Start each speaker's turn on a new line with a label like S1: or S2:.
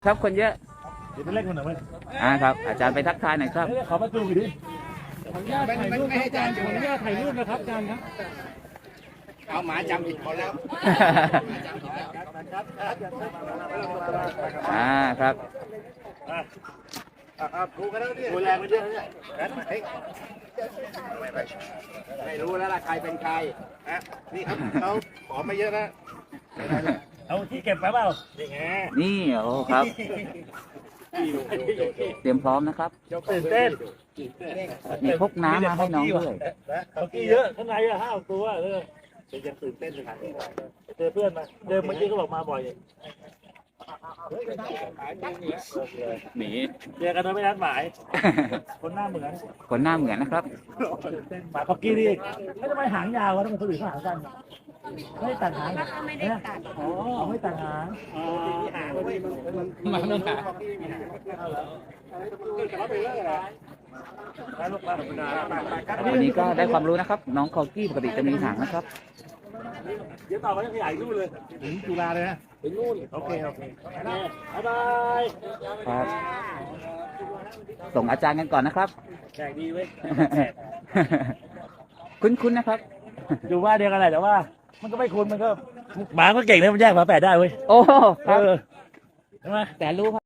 S1: ครับคนเยอะ
S2: เดี๋ยวไปเล่นคนหน่อยไหม
S1: ครับอาจารย์ไปทักทายหน่อยครับ
S2: ขอมาดูดิขออนุญาตถ่ายรูปครับอาจารย์ขออนุญาตถ่ายรูปนะครับอาจารย์ครับ
S3: เอาหมาจำผิดคนแล้ว
S1: ครับ
S3: ดูกันแล้วดิดูแรงไปเยอะเนี่ยไม่รู้แล้วล่ะใครเป็นใครนะนี่เขาขอมาเยอะนะ
S2: เอาที่เก็บไปเปล่านี่ไง
S1: นี่โอ้ครับเตรียมพร้อมนะครับ
S2: ตื่นเต้น
S1: มีพกน้ำมาให้น้องด้วย
S2: เมื่อกี้เยอะข้างใน5 ตัวยังตื่นเต้นเลยเจอเพื่อนมาเดิมเมื่อกี้ก็บอกมาบ่อย
S1: หนี
S2: เจอกันโดยไม่นัดหมายคนหน้าเหมือน
S1: นะครับ
S2: หมาเมื่อกี้นี่ไม่ทำไมหางยาววะทำไมคนอื่นเขาหางสั้นไม่ตัดหาง
S4: ไม่ได้ตัด
S2: อ๋อไม่ตัดหาง
S1: มันต้องหาวันนี้ก็ได้ความรู้นะครับน้องคอกี้ปกติจะมีหางนะครับ
S2: เดี๋ยวต่อไปจะขยายรูปเลยถึงจุฬาเลยนะถึงนู่นโอเคบ๊ายบาย
S1: ครับส่งอาจารย์กันก่อนนะครับ
S2: แขกดีเว้ย
S1: คุ้นนะครับ
S2: อยู่ว่าเดียวกันแหละแต่ว่ามันก็ไม่คุ้นมันก็หมาก็เก่งนะมันแยกหมาแปดได้เว้ย
S1: โอ้ครับ
S2: ใช่ไหม
S1: แต่รู้